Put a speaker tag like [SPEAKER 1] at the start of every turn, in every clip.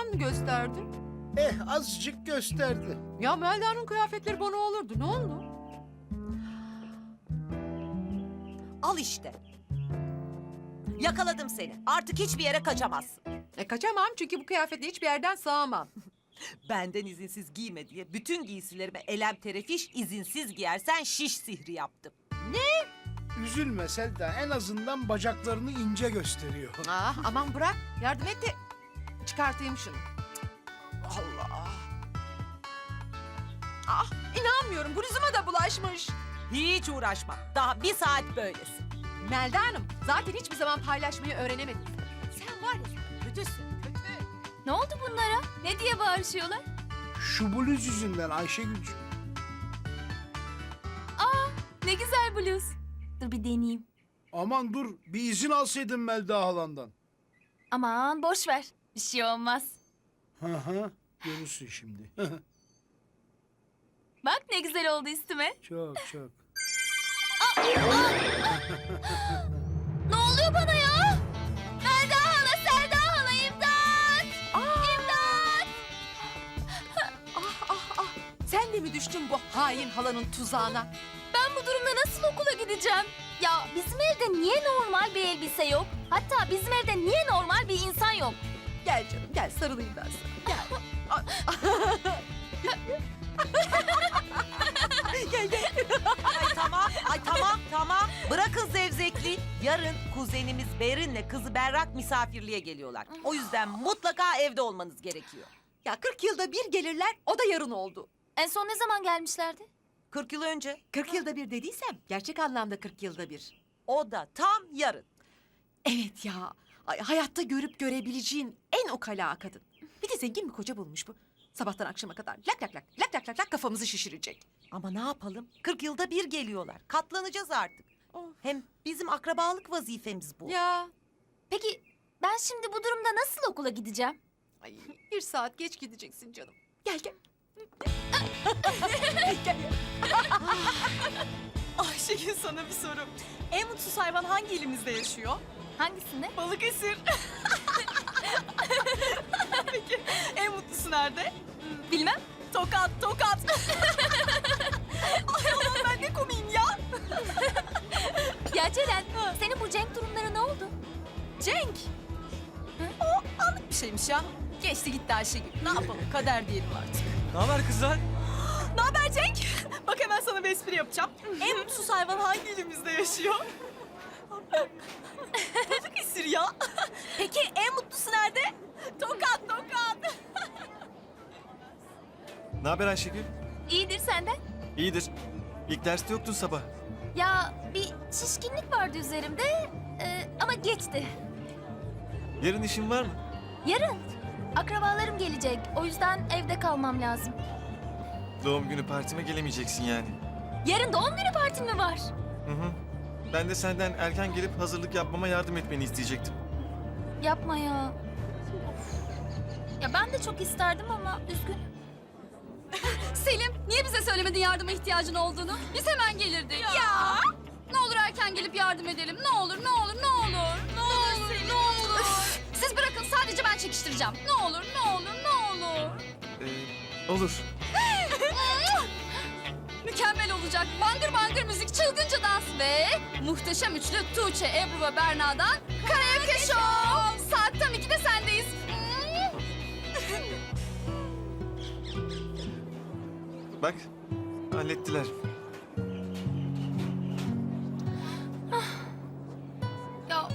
[SPEAKER 1] mı gösterdi?
[SPEAKER 2] Azıcık gösterdi.
[SPEAKER 1] Ya Melda'nın kıyafetleri bana olurdu. Ne oldu?
[SPEAKER 3] Al işte. Yakaladım seni. Artık hiçbir yere kaçamazsın.
[SPEAKER 1] Kaçamam çünkü bu kıyafetle hiçbir yerden sığamam.
[SPEAKER 3] Benden izinsiz giyme diye bütün giysilerime elem terefiş, izinsiz giyersen şiş sihri yaptım.
[SPEAKER 2] Üzülme Selda, en azından bacaklarını ince gösteriyor.
[SPEAKER 1] Aman bırak. Yardım et de çıkartayım şunu. Allah. İnanmıyorum. Bluzuma da bulaşmış.
[SPEAKER 3] Hiç uğraşma. Daha bir saat böylesin.
[SPEAKER 1] Melda Hanım, zaten hiçbir zaman paylaşmayı öğrenemedin. Sen var ya, sen kötüsün, kötü.
[SPEAKER 4] Ne oldu bunlara? Ne diye bağırışıyorlar?
[SPEAKER 2] Şu bluz yüzünden Ayşegül'cüğüm.
[SPEAKER 4] Ne güzel bluz. Dur bir deneyeyim.
[SPEAKER 2] Aman dur, bir izin alsaydın Melda halandan.
[SPEAKER 4] Aman boş ver. Bir şey olmaz.
[SPEAKER 2] Hı, görürsün şimdi.
[SPEAKER 4] Bak ne güzel oldu üstüme.
[SPEAKER 2] Çok çok.
[SPEAKER 4] Ne oluyor bana ya? Melda hala, Selda hala, imdat! İmdat!
[SPEAKER 1] Sen de mi düştün bu hain halanın tuzağına?
[SPEAKER 4] Ben bu durumda nasıl okula gideceğim? Ya bizim evde niye normal bir elbise yok? Hatta bizim evde niye normal bir insan yok?
[SPEAKER 1] Gel canım, gel sarılayım ben sana. Gel.
[SPEAKER 3] Ay tamam. Bırakın zevzekliği. Yarın kuzenimiz Berin'le kızı Berrak misafirliğe geliyorlar. O yüzden mutlaka evde olmanız gerekiyor.
[SPEAKER 1] Ya 40 yılda bir gelirler, o da yarın oldu.
[SPEAKER 4] En son ne zaman gelmişlerdi?
[SPEAKER 3] 40 yıl önce.
[SPEAKER 1] 40 yılda bir dediysem, gerçek anlamda 40 yılda bir.
[SPEAKER 3] O da tam yarın.
[SPEAKER 1] Evet ya, hayatta görüp görebileceğin en ukala kadın. Bir de zengin bir koca bulmuş bu. Sabahtan akşama kadar lak kafamızı şişirecek.
[SPEAKER 3] Ama ne yapalım? 40 yılda bir geliyorlar. Katlanacağız artık.
[SPEAKER 1] Of.
[SPEAKER 3] Hem bizim akrabalık vazifemiz bu.
[SPEAKER 1] Ya,
[SPEAKER 4] Peki ben şimdi bu durumda nasıl okula gideceğim?
[SPEAKER 1] ay, bir saat geç gideceksin canım. Gel.
[SPEAKER 5] Ayşegül sana bir soru. En mutsuz hayvan hangi ilimizde yaşıyor?
[SPEAKER 4] Hangisinde?
[SPEAKER 5] Balıkesir. Peki en mutlusu nerede?
[SPEAKER 4] Bilmem.
[SPEAKER 5] Tokat. Ay aman ben ne komiyim ya.
[SPEAKER 4] Ya Ceren, senin bu Cenk durumları ne oldu?
[SPEAKER 5] Cenk. O anlık bir şeymiş ya. Geçti gitti Ayşegül. Ne yapalım kader diyelim artık.
[SPEAKER 6] Ne haber kızlar?
[SPEAKER 5] Ne haber Cenk? Bak hemen sana bir espri yapacağım. En mutsuz hayvan hangi ilimizde yaşıyor? Balıkesir ya. Peki en mutlusu nerede? Tokat.
[SPEAKER 6] Ne haber Ayşegül?
[SPEAKER 4] İyidir senden.
[SPEAKER 6] İyidir. İlk derste yoktun sabah.
[SPEAKER 4] Ya bir şişkinlik vardı üzerimde ama geçti.
[SPEAKER 6] Yarın işin var mı?
[SPEAKER 4] Yarın akrabalarım gelecek. O yüzden evde kalmam lazım.
[SPEAKER 6] Doğum günü partime gelemeyeceksin yani.
[SPEAKER 4] Yarın doğum günü partim mi var?
[SPEAKER 6] Hı. Ben de senden erken gelip hazırlık yapmama yardım etmeni isteyecektim.
[SPEAKER 4] Yapma ya. Ya ben de çok isterdim ama üzgünüm.
[SPEAKER 7] Selim, niye bize söylemedin yardıma ihtiyacın olduğunu? Biz hemen gelirdik. Ya! Ne olur erken gelip yardım edelim. Ne olur. Ne olur. Siz bırakın, sadece ben çekiştireceğim. Ne olur.
[SPEAKER 6] Olur.
[SPEAKER 7] Mükemmel olacak. Bangır bangır müzik, çılgınca dans ve muhteşem üçlü Tuğçe, Ebru ve Berna'dan Karaoke Show. Saat tam 2'de sendeyiz.
[SPEAKER 6] Bak, hallettiler.
[SPEAKER 4] Ya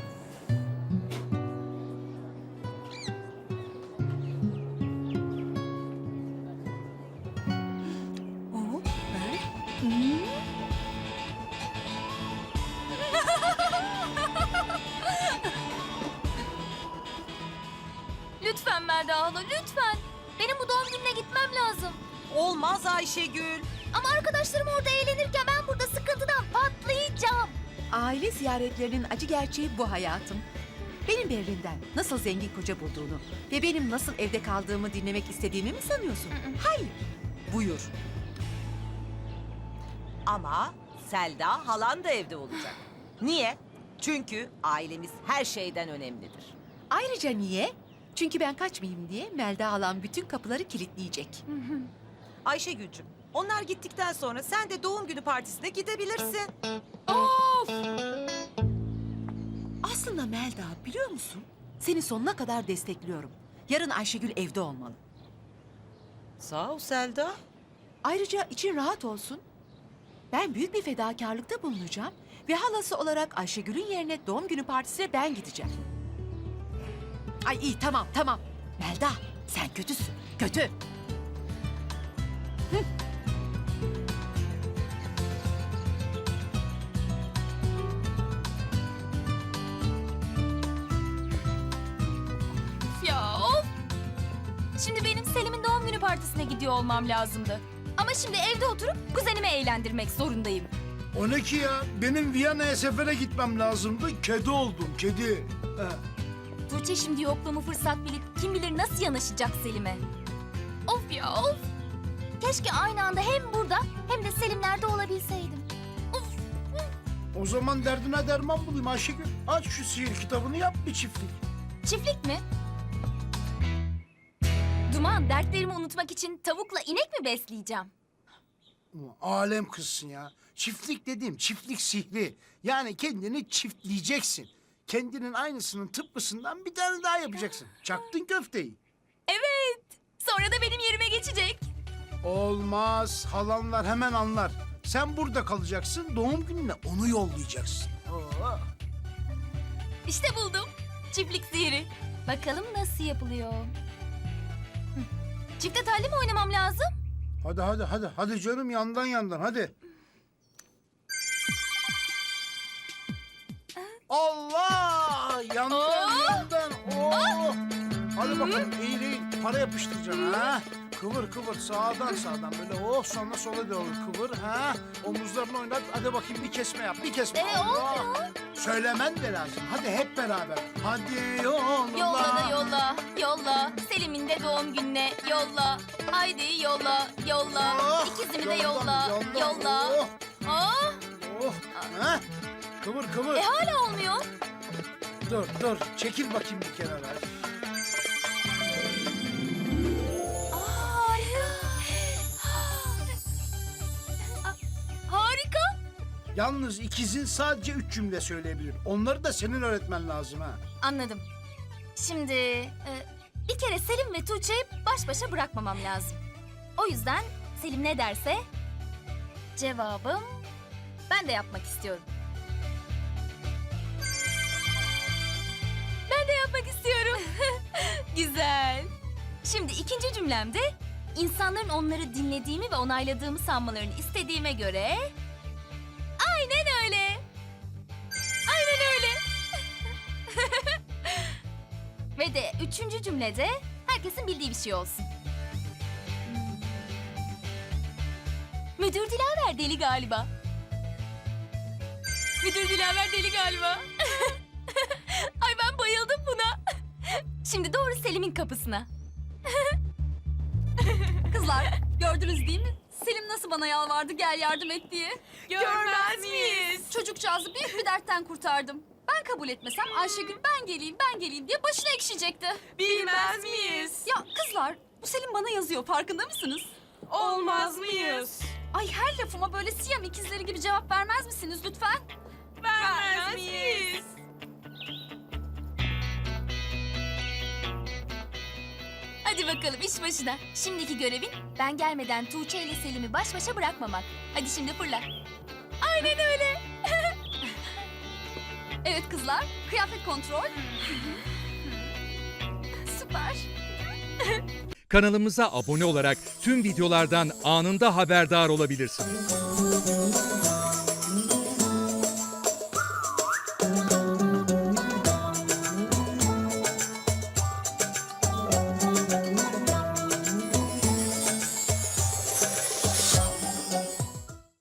[SPEAKER 4] lütfen Melda hala, lütfen. Benim bu doğum gününe gitmem lazım.
[SPEAKER 3] Olmaz Ayşegül.
[SPEAKER 4] Ama arkadaşlarım orada eğlenirken ben burada sıkıntıdan patlayacağım.
[SPEAKER 1] Aile ziyaretlerinin acı gerçeği bu hayatım. Benim Berrin'den nasıl zengin koca bulduğunu ve benim nasıl evde kaldığımı dinlemek istediğimi mi sanıyorsun? Hayır. Buyur.
[SPEAKER 3] Ama Selda halan da evde olacak. Niye? Çünkü ailemiz her şeyden önemlidir.
[SPEAKER 1] Ayrıca niye? Çünkü ben kaçmayayım diye Melda alan bütün kapıları kilitleyecek.
[SPEAKER 3] Ayşegül'cüm, onlar gittikten sonra sen de doğum günü partisine gidebilirsin.
[SPEAKER 1] Aslında Melda biliyor musun? Seni sonuna kadar destekliyorum. Yarın Ayşegül evde olmalı.
[SPEAKER 3] Sağ ol Selda.
[SPEAKER 1] Ayrıca için rahat olsun. Ben büyük bir fedakarlıkta bulunacağım ve halası olarak Ayşegül'ün yerine doğum günü partisine ben gideceğim. Ay iyi tamam. Melda sen kötüsün. Kötü.
[SPEAKER 4] Ya of! Şimdi benim Selim'in doğum günü partisine gidiyor olmam lazımdı. Ama şimdi evde oturup kuzenimi eğlendirmek zorundayım.
[SPEAKER 2] O ne ki ya? Benim Viyana'ya sefere gitmem lazımdı. Kedi oldum, kedi.
[SPEAKER 4] Tuğçe şimdi yokluğumu fırsat bilip kim bilir nasıl yanaşacak Selim'e. Of ya of! Keşke aynı anda hem burada hem de Selimler'de olabilseydim.
[SPEAKER 2] O zaman derdine derman bulayım Ayşegül. Aç şu sihir kitabını, yap bir çiftlik.
[SPEAKER 4] Çiftlik mi? Duman, dertlerimi unutmak için tavukla inek mi besleyeceğim?
[SPEAKER 2] Alem kızsın ya. Çiftlik dediğim çiftlik sihri. Yani kendini çiftleyeceksin. Kendinin aynısının tıpkısından bir tane daha yapacaksın. Çaktın köfteyi.
[SPEAKER 4] Evet. Sonra da benim yerime geçecek.
[SPEAKER 2] Olmaz. Halanlar hemen anlar. Sen burada kalacaksın. Doğum gününe onu yollayacaksın. Oo.
[SPEAKER 4] İşte buldum. Çiftlik sihiri. Bakalım nasıl yapılıyor. Çifte telli mi oynamam lazım?
[SPEAKER 2] Hadi canım, yandan hadi. Allah! Yandan. Oo! Hadi bakalım, eğil. Para yapıştıracaksın ha. Kıvır sağdan böyle sonra sola doğru kıvır ha. Omuzlarını oynat, hadi bakayım bir kesme yap, bir kesme. Allah! Söylemen de lazım, hadi hep beraber. Hadi yolla.
[SPEAKER 4] Yolla. Selim'in de doğum gününe yolla. Haydi yolla.
[SPEAKER 2] Oh,
[SPEAKER 4] İkizimi de yolla.
[SPEAKER 2] Oh,
[SPEAKER 4] Oh.
[SPEAKER 2] oh. Ha? Kıvır.
[SPEAKER 4] Hala olmuyor.
[SPEAKER 2] Dur, çekil bakayım bir kenara.
[SPEAKER 4] Harika.
[SPEAKER 2] Yalnız ikizin sadece 3 cümle söyleyebilir. Onları da senin öğretmen lazım ha.
[SPEAKER 4] Anladım. Şimdi bir kere Selim ve Tuğçe'yi baş başa bırakmamam lazım. O yüzden Selim ne derse cevabım ben de yapmak istiyorum. Ben de yapmak istiyorum. Güzel. Şimdi ikinci cümlemde insanların onları dinlediğimi ve onayladığımı sanmalarını istediğime göre aynen öyle. Ve de üçüncü cümlede herkesin bildiği bir şey olsun. Müdür Dilaver deli galiba. Ay ben bayıldım buna. Şimdi doğru Selim'in kapısına.
[SPEAKER 7] Kızlar gördünüz değil mi? Selim nasıl bana yalvardı gel yardım et diye.
[SPEAKER 3] Görmez miyiz?
[SPEAKER 7] Çocukcağızı büyük bir dertten kurtardım. Ben kabul etmesem Ayşegül ben geleyim diye başına ekşiyecekti.
[SPEAKER 3] Bilmez miyiz?
[SPEAKER 7] Ya kızlar bu Selim bana yazıyor farkında mısınız?
[SPEAKER 3] Olmaz mıyız?
[SPEAKER 7] Ay her lafıma böyle Siyam ikizleri gibi cevap vermez misiniz lütfen?
[SPEAKER 3] Vermez miyiz?
[SPEAKER 4] Hadi bakalım iş başına. Şimdiki görevin ben gelmeden Tuğçe ile Selim'i baş başa bırakmamak. Hadi şimdi fırla. Aynen öyle.
[SPEAKER 7] Evet kızlar kıyafet kontrol. Süper.
[SPEAKER 8] Kanalımıza abone olarak tüm videolardan anında haberdar olabilirsiniz.